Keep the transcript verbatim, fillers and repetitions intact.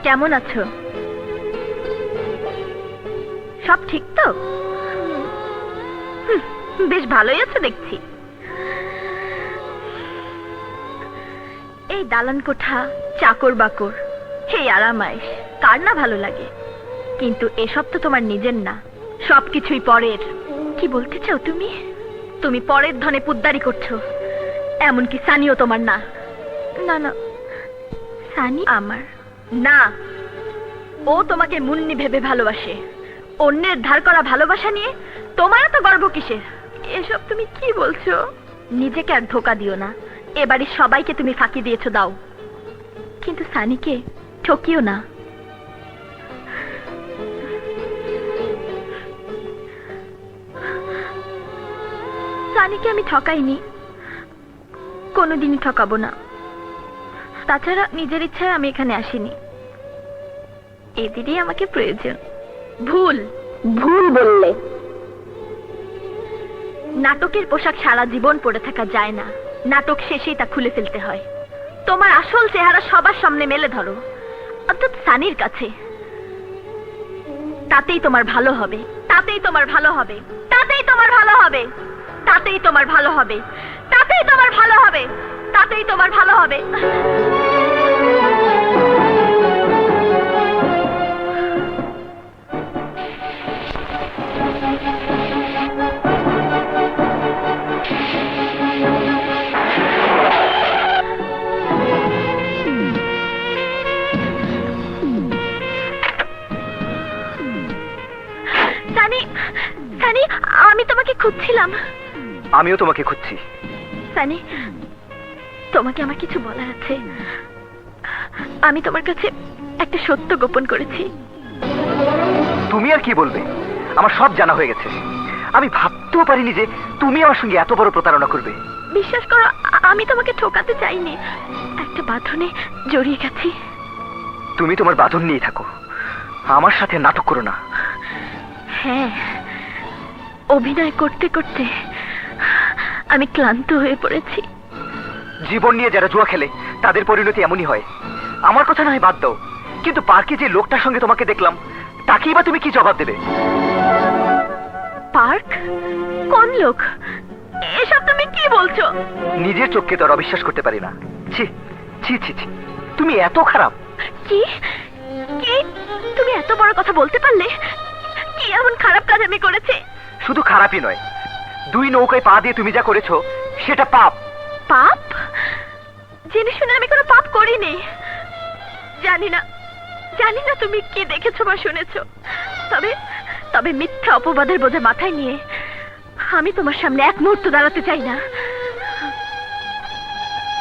কেমন আছো? সব ঠিক তো? হুম, বেশ ভালোই আছো দেখছি। এই দালান কোঠা, চাকর বাকর, এই আরামাইশ কার না ভালো লাগে? কিন্তু এসব তো তোমার নিজের না, সবকিছুই পরের। কি বলতে চাও তুমি? তুমি পরের ধনে পুদ্দারি করছো। এমনকি সানিও তোমার না। না না, সানি আমার না। ও তোমাকে মুন্নি ভেবে ভালোবাসে। অন্যের ধার করা ভালোবাসা নিয়ে তোমার এত গর্ব কিসের? এসব তুমি কি বলছো? নিজেকে আর ধোকা দিও না। এবারে সবাইকে তুমি ফাঁকি দিয়েছো, দাও, কিন্তু সানিকে ঠকিও না। সানিকে আমি ঠকাইনি, কোনোদিনই ঠকাবো না। তাছাড়া নিজের ইচ্ছায় আমি এখানে আসিনি, এদেরই আমাকে প্রয়োজন। ভুল ভুল বললে। নাটকের পোশাক সারা জীবন পরে থাকা যায় না, নাটক শেষেই তা খুলে ফেলতে হয়। তোমার আসল চেহারা সবার সামনে মেলে ধরো, অর্থাৎ সানির কাছে। তাতেই তোমার ভালো হবে, তাতেই তোমার ভালো হবে, তাতেই তোমার ভালো হবে, তাতেই তোমার ভালো হবে, তাতেই তোমার ভালো হবে, তাতেই তোমার ভালো হবে। সানি, সানি, আমি তোমাকে খুঁজছিলাম। আমিও তোমাকে খুঁজছি। সানি, তোমাকে আমার কিছু বলার আছে। আমি তোমার কাছে একটা সত্য গোপন করেছি। তুমি আর কি বলবে? আমার সব জানা হয়ে গেছে। আমি ভাবতেও পারিনি যে তুমি আমার সঙ্গে এত বড় প্রতারণা করবে। বিশ্বাস করো, আমি তোমাকে ঠকাতে চাইনি, একটা বাঁধনে জড়িয়ে গেছি। তুমি তোমার বাঁধন নিয়ে থাকো, আমার সাথে নাটক করো না। হ্যাঁ, অভিনয় করতে করতে আমি ক্লান্ত হয়ে পড়েছি। জীবন নিয়ে যারা জুয়া খেলে তাদের পরিণতি এমনই হয়। আমার কথা নয় বাদ দাও, কিন্তু পার্কে যে লোকটার সঙ্গে তোমাকে দেখলাম, তাকেই বা তুমি কি জবাব দেবে? পার্ক? কোন লোক? এসব তুমি কি বলছো? নিজের চোখকে তো আর অবিশ্বাস করতে পারি না। ছি ছি ছি ছি, তুমি এত খারাপ। কি কি তুমি এত বড় কথা বলতে পারলে? কি এমন খারাপ কাজ আমি করেছি? শুধু খারাপই নয়, দুই নৌকায় পা দিয়ে তুমি যা করেছো সেটা পাপ। পাপ? জেনে শুনে আমি কোনো পাপ করিনি। জানি না, জানি না তুমি কি দেখেছো বা শুনেছো, তবে তবে মিথ্যা অপবাদের বোঝা মাথায় নিয়ে আমি তোমার সামনে এক মুহূর্ত দাঁড়াতে চাই না।